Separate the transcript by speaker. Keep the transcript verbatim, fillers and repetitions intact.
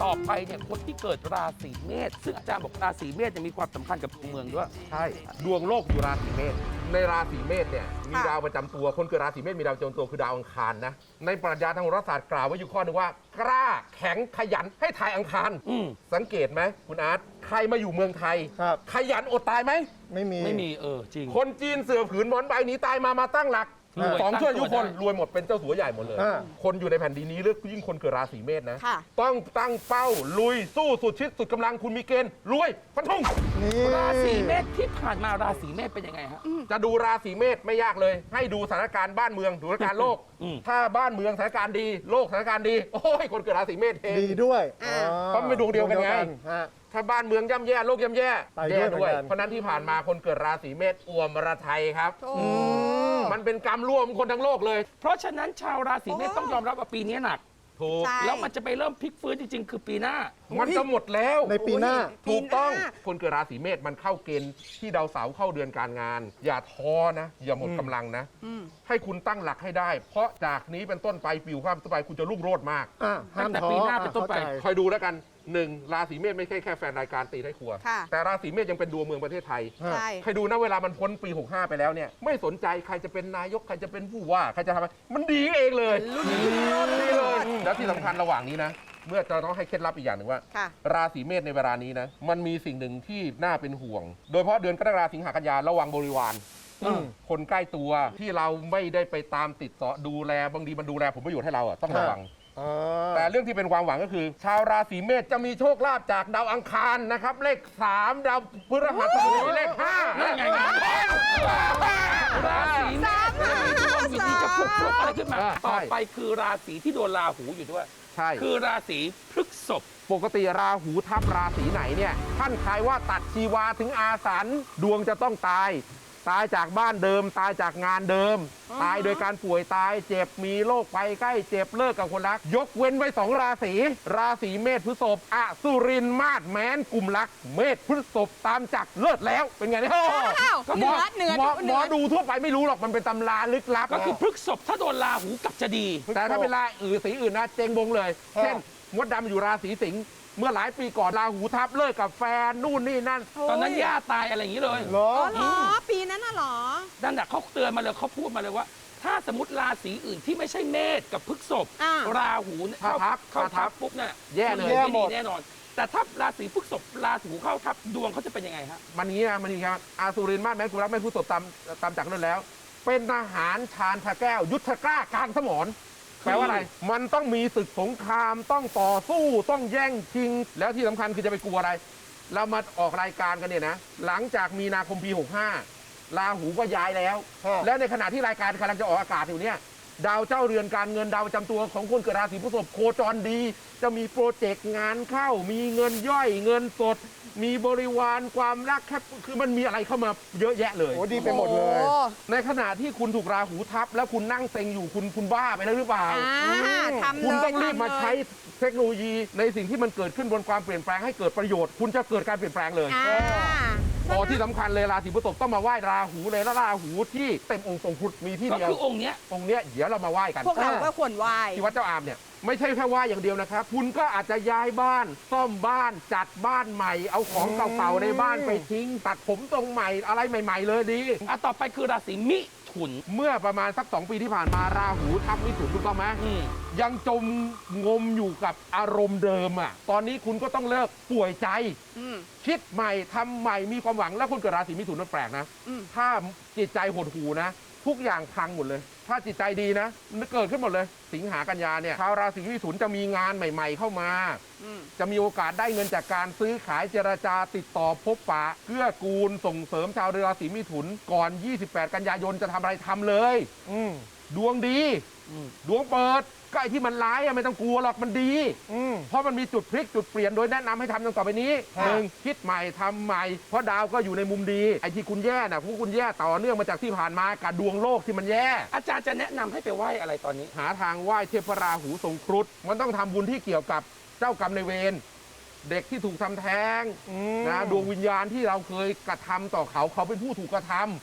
Speaker 1: ต่อไปเนี่ยคนที่เกิดราศีเมษซึ่งอาจารย์บอกราศีเมษจะมีความสำคัญกับเมืองด้วย
Speaker 2: ใช่ดวงโลกอยู่ราศีเมษในราศีเมษเนี่ยมีดาวประจำตัวคนเกิดราศีเมษมีดาวประจำตัวคือดาวอังคารนะในปรัชญาทางโหราศาสตร์กล่าวไว้อยู่ข้อนึงว่ากล้าแข็งขยันให้ทายอังคารสังเกตไหมคุณอาร์ตใครมาอยู่เมืองไทยขยันอดตายไหม
Speaker 3: ไม่มี
Speaker 1: ไม่มีเออจริง
Speaker 2: คนจีนเสือผืนหมอนใบหนีตายมามาตั้งหลักสองชั่วอายุคนรวยหมดเป็นเจ้าสัวใหญ่หมดเลยคนอยู่ในแผ่นดินนี้เลือกยิ่งคนเกิดราศีเมษนะต้องตั้งเป้าลุยสู้สุดชิดสุดกำลังคุณมีเกณฑ์รวยฟันธง
Speaker 1: ราศีเมษที่ผ่านมาราศีเมษเป็นยังไงฮะ
Speaker 2: จะดูราศีเมษไม่ยากเลยให้ดูสถานการณ์บ้านเมืองดูสถานการณ์โลกถ้าบ้านเมืองสถานการณ์ดีโลกสถานการณ์ดีโอ้ยคนเกิดราศีเมษเอง
Speaker 3: ดีด้วย
Speaker 2: เพราะเป็นดวงเดียวกันไงถ้าบ้านเมืองย่ำแย่โลกย่ำแย่แย่ด้วยเพราะนั้นที่ผ่านมาคนเกิดราศีเมษอ่วมระทยครับมันเป็นกรรมร่วมคนทั้งโลกเลย
Speaker 1: เพราะฉะนั้นชาวราศีเมษต้องยอมรับว่าปีนี้หนัก
Speaker 2: ถูก
Speaker 1: แล้วมันจะไปเริ่มพลิกฟื้นจริงๆคือปีหน้า
Speaker 2: มันจะหมดแล้ว
Speaker 3: ในปีหน้า
Speaker 2: ถูกต้องคนเกิดราศีเมษมันเข้าเกณฑ์ที่ดาวเสาร์เข้าเดือนการงานอย่าท้อนะอย่าหมดกำลังนะให้คุณตั้งหลักให้ได้เพราะจากนี้เป็นต้นไปปีความต่อไปคุณจะรุ่งโรจน์มาก
Speaker 1: ตั้งแต่ปีหน้าเป็นต้นไป
Speaker 2: คอยดูแล้วกันหนึ่งราศีเมษไม่ใช่แค่แฟนรายการตีได้ครัวแต่ราศีเมษยังเป็นดวงเมืองประเทศไทยใครดูนะเวลามันพ้นปีหกห้าไปแล้วเนี่ยไม่สนใจใครจะเป็นนายกใครจะเป็นผู้ว่าใครจะทำอะไรมันดีเองเลยดีเลยแล้วที่สำคัญระหว่างนี้นะเมื่อจะต้องให้เคล็ดลับอีกอย่างหนึ่งว่าราศีเมษในเวลานี้นะมันมีสิ่งหนึ่งที่น่าเป็นห่วงโดยเฉพาะเดือนกรกฎาคมสิงหากันยาระวังบริวารคนใกล้ตัวที่เราไม่ได้ไปตามติดต่อดูแลบางทีมันดูแลผลประโยชน์ให้เราอ่ะต้องระวังแต่เรื่องที่เป็นความหวังก็คือชาวราศีเมษจะมีโชคลาภจากดาวอังคารนะครับเลขสามดาวพฤหัสบดีเลขห้า
Speaker 1: นั่นไงราศีเมษมีดวงวิธีจะพุกพุกอะไรขึ้นมาต่อไปคือราศีที่โดนราหูอยู่ด้วย
Speaker 2: ใช่
Speaker 1: คือราศีพฤษภ
Speaker 2: ปกติราหูทับราศีไหนเนี่ยท่านทายว่าตัดชีวาถึงอาสันดวงจะต้องตายตายจากบ้านเดิมตายจากงานเดิมตายโดยการป่วยตายเจ็บมีโรคภัยใกล้เจ็บเลิกกับคนรักยกเว้นไว้สองราศีราศีเมษพฤษภอสุรินมาศแม้นกลุ่มรักเมษพฤษภตามจักเลิศแล้วเป็นไงเนี่ย
Speaker 4: ก็เหนือเหนือ
Speaker 2: หมอดูทั่วไปไม่รู้หรอกมันเป็นตำราลึกลับ
Speaker 1: ก็คือพฤษภถ้าโดนราหูกลับจะดี
Speaker 2: แต่ถ้าเป็นราอื่นสีอื่นนะเจงบงเลยเช่นมดดำอยู่ราศีสิงห์เมื่อหลายปีก่อนราหูทับเลิกกับแฟนนู่นนี่นั่น
Speaker 1: ตอนนั้นย่าตายอะไรอย่างนี้เลย
Speaker 3: เหรอ
Speaker 4: เหรอปีนั้นน่ะเหรอ
Speaker 1: นั่นแหละเขาเตือนมาเลยเขาพูดมาเลยว่าถ้าสมมติราศีอื่นที่ไม่ใช่เมษกับพฤษภราหูเข้าทับเข้าทับปุ๊บเนี่ย
Speaker 2: แย่เลย
Speaker 1: ไม่ดีแน่นอนแต่ถ้าราศีพฤษภราหูเข้าทับดวงเขาจะเป็นยังไงฮะ
Speaker 2: มันนี้นะมันนี้ครับอาสุรินมาศแม้นกุลรักไม่พฤษภตามตามจากนั้นแล้วเป็นทหารชาญพระแก้วยุทธกล้ากลางสมรแปลว่าอะไรมันต้องมีศึกสงครามต้องต่อสู้ต้องแย่งชิงแล้วที่สำคัญคือจะไปกลัวอะไรเรามาออกรายการกันเนี่ยนะหลังจากมีนาคมปีหกห้าราหูก็ย้ายแล้วแล้วในขณะที่รายการกำลังจะออกอากาศอยู่เนี่ยดาวเจ้าเรือนการเงินดาวประจำตัวของคนเกิดราศีพฤษภโคจรดีจะมีโปรเจกต์งานเข้ามีเงินย่อยเงินสดมีบริวารความรักแค่คือมันมีอะไรเข้ามาเยอะแยะเลย
Speaker 3: โอ้ดีไปหมดเลย
Speaker 2: ในขณะที่คุณถูกราหูทับแล้วคุณนั่งเซ็งอยู่คุณคุณบ้าไปแล้วหรือเปล่าคุณต้องรีบมาใช้เทคโนโลยีในสิ่งที่มันเกิดขึ้นบนความเปลี่ยนแปลงให้เกิดประโยชน์คุณจะเกิดการเปลี่ยนแปลงเลยพอที่สำคัญเลยราศีพฤษภต้องมาไหว้ราหูเลยแล้วราหูที่เต็มองค์ทรงครุฑมีที่เดียว
Speaker 1: ก็คือองค์เนี้ย
Speaker 2: องค์เนี้ยเดี๋ยวเรามาไหว้กัน
Speaker 4: พวกเราก็ควรไหว้
Speaker 2: ที่วัดเจ้าอามเนี่ยไม่ใช่แค่ไหว้อย่างเดียวนะครับคุณก็อาจจะย้ายบ้านซ่อมบ้านจัดบ้านใหม่เอาของเก่าๆในบ้านไปทิ้งตัดผมตรงใหม่อะไรใหม่ๆเลยดี
Speaker 1: อ่ะต่อไปคือราศีมิถุน
Speaker 2: เมื่อประมาณสักสองปีที่ผ่านมาราหูทับมิถุนถูกต้องไหมยังจมงมอยู่กับอารมณ์เดิมอ่ะตอนนี้คุณก็ต้องเลิกป่วยใจคิดใหม่ทำใหม่มีความหวังแล้วคนเกิดราศีมิถุนมันแปลกนะถ้าจิตใจหดหู่นะทุกอย่างพังหมดเลยถ้าจิตใจดีนะมันเกิดขึ้นหมดเลยสิงหากันยาเนี่ยชาวราศีมิถุนจะมีงานใหม่ๆเข้ามาจะมีโอกาสได้เงินจากการซื้อขายเจรจาติดต่อพบปะเกื้อกูลส่งเสริมชาวราศีมิถุนก่อนยี่สิบแปดกันยายนจะทำอะไรทำเลยดวงดีดวงเปิดก็ไอ้ที่มันร้ายอะไม่ต้องกลัวหรอกมันดีเพราะมันมีจุดพลิกจุดเปลี่ยนโดยแนะนำให้ทำดังต่อไปนี้หนึ่งคิดใหม่ทำใหม่เพราะดาวก็อยู่ในมุมดีไอ้ที่คุณแย่น่ะพวกคุณแย่ต่อเนื่องมาจากที่ผ่านมากับดวงโลกที่มันแย่
Speaker 1: อาจารย์จะแนะนำให้ไปไหว้อะไรตอนนี้
Speaker 2: หาทางไหว้เทพราหูทรงครุฑมันต้องทำบุญที่เกี่ยวกับเจ้ากรรมนายเวรเด็กที่ถูกทำแท้งนะดวงวิญญาณที่เราเคยกระทำต่อเขาเขาเป็นผู้ถูกกระท